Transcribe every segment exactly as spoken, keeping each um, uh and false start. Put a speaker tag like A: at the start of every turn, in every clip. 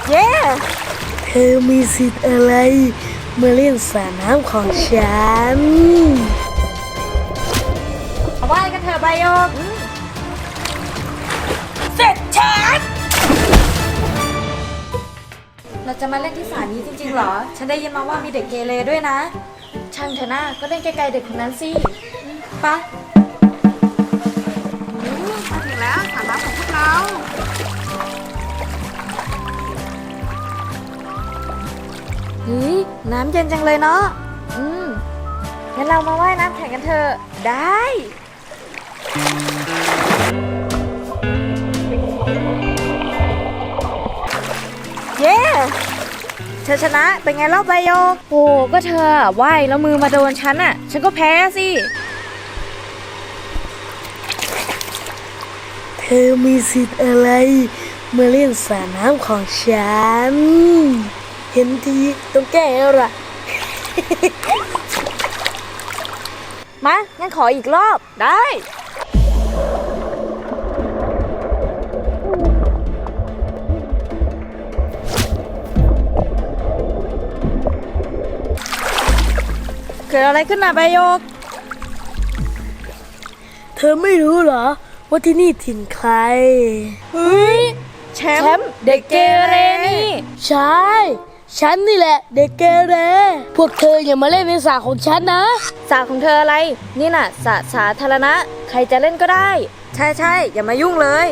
A: เย้เธอมีสิทธิ์อะไรมาเล่นสระน้ำของฉันเอาว่ายกันเถอะใบโยกเสร็จฉันเราจะมาเล่นที่สระนี้จริงๆเหรอฉันได้ยินมาว่ามีเด็กเกเรด้วยนะช่างเถอะนะก็เล่นไกลๆเด็กคนนั้นสิปะ
B: มาถึงแล้วสระน้ำของพวกเรา
A: เฮ้ยน้ำเย็นจังเลยเนาะอืมงั้นเรามาว่ายน้ำแข่งกันเถอะได้เย้เธอชนะเป็นไงเล่าใบโยกโอ้ก็เธอว่ายแล้วมือมาโดนฉันอ่ะฉันก็แพ้สิเธอมีสิทธิ์อะไรมาเล่นสระน้ำของฉันเห็นทีต้องแก้แล้วล่ะ มางั้นขออีกรอบได้เกิดอะไรขึ้นนะใบโยกเธอไม่รู้เหรอว่าที่นี่ถิ่นใครเฮ้ยแชมป์เด็กเกเรนี่ใช่ฉันนี่แหละเด็กเกเรพวกเธออย่ามาเล่นในสระของฉันนะสระของเธออะไรนี่น่ะสระสาธารณะใครจะเล่นก็ได้ใช่ใช่อย่ามายุ่งเลย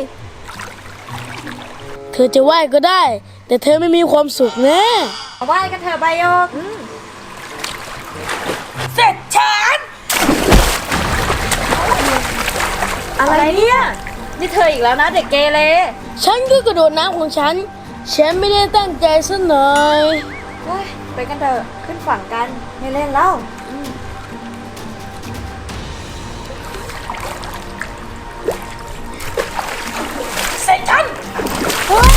A: เธอจะว่ายก็ได้แต่เธอไม่มีความสุขแน่ว่ายกันเถอะใบโยกเสร็จฉันอะไรเนี่ยนี่เธออีกแล้วนะเด็กเกเรฉันก็กระโดดน้ำของฉันฉันไม่ได้ตั้งใจซะหน่อยเฮ้ยไปกันเถอะขึ้นฝั่งกันไม่เล่นแล้วเสร็จฉันเฮ้ย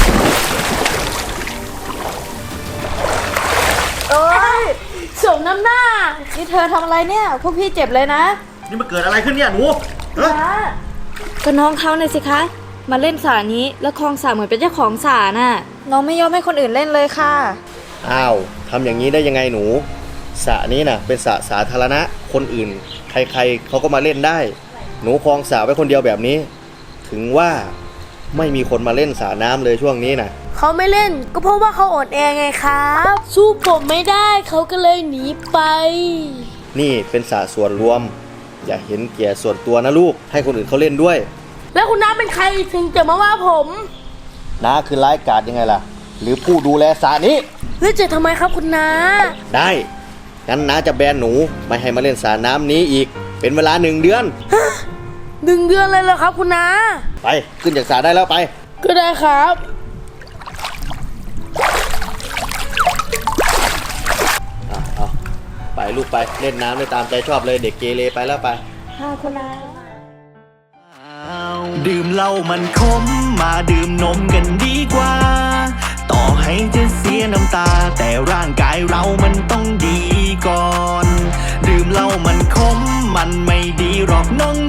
A: โอ้ยสมน้ำหน้านี่เธอทำอะไรเนี่ยพวกพี่เจ็บเลยนะ
C: นี่มันเกิดอะไรขึ้นเนี่ยหนู
A: ก็น้องเขาหน่อยสิคะมาเล่นสระนี้แล้วคลองสระเหมือนเป็นเจ้าของสระน่ะน้องไม่ยอมให้คนอื่นเล่นเลยค่ะ
C: อ้าวทำอย่างนี้ได้ยังไงหนูสระนี้น่ะเป็นสระสาธารณะคนอื่นใครๆเขาก็มาเล่นได้หนูคลองสระไว้คนเดียวแบบนี้ถึงว่าไม่มีคนมาเล่นสระน้ำเลยช่วงนี้น่ะ
A: เขาไม่เล่นก็เพราะว่าเขาอ่อนแอไงครับสู้ผมไม่ได้เขาก็เลยหนีไป
C: นี่เป็นสระส่วนรวมอย่าเห็นแก่ส่วนตัวนะลูกให้คนอื่นเขาเล่นด้วย
A: แล้วคุณน้าเป็นใครถึงจะมาว่าผม
C: น้าคือร้ายกาจยังไงล่ะหรือผู้ดูแลสระนี้
A: แล้วจะทำไมครับคุณน้า
C: ได้งั้นน้าจะแบนหนูไม่ให้มาเล่นสระน้ำนี้อีกเป็นเวลาหนึ่งเดือน
A: หนึ่งเดือนเลยเหรอครับคุณน้า
C: ไปขึ้นจากสระได้แล้วไป
A: ก็ได้ครับ
C: เอาไปลูกไปเล่นน้ำได้ตามใจชอบเลยเด็กเกเรไปแล้วไป
A: ค่ะคุณน้า
D: ดื่มเหล้ามันขมมาดื่มนมกันดีกว่าต่อให้จะเสียน้ำตาแต่ร่างกายเรามันต้องดีก่อนดื่มเหล้ามันขมมันไม่ดีหรอกน้อง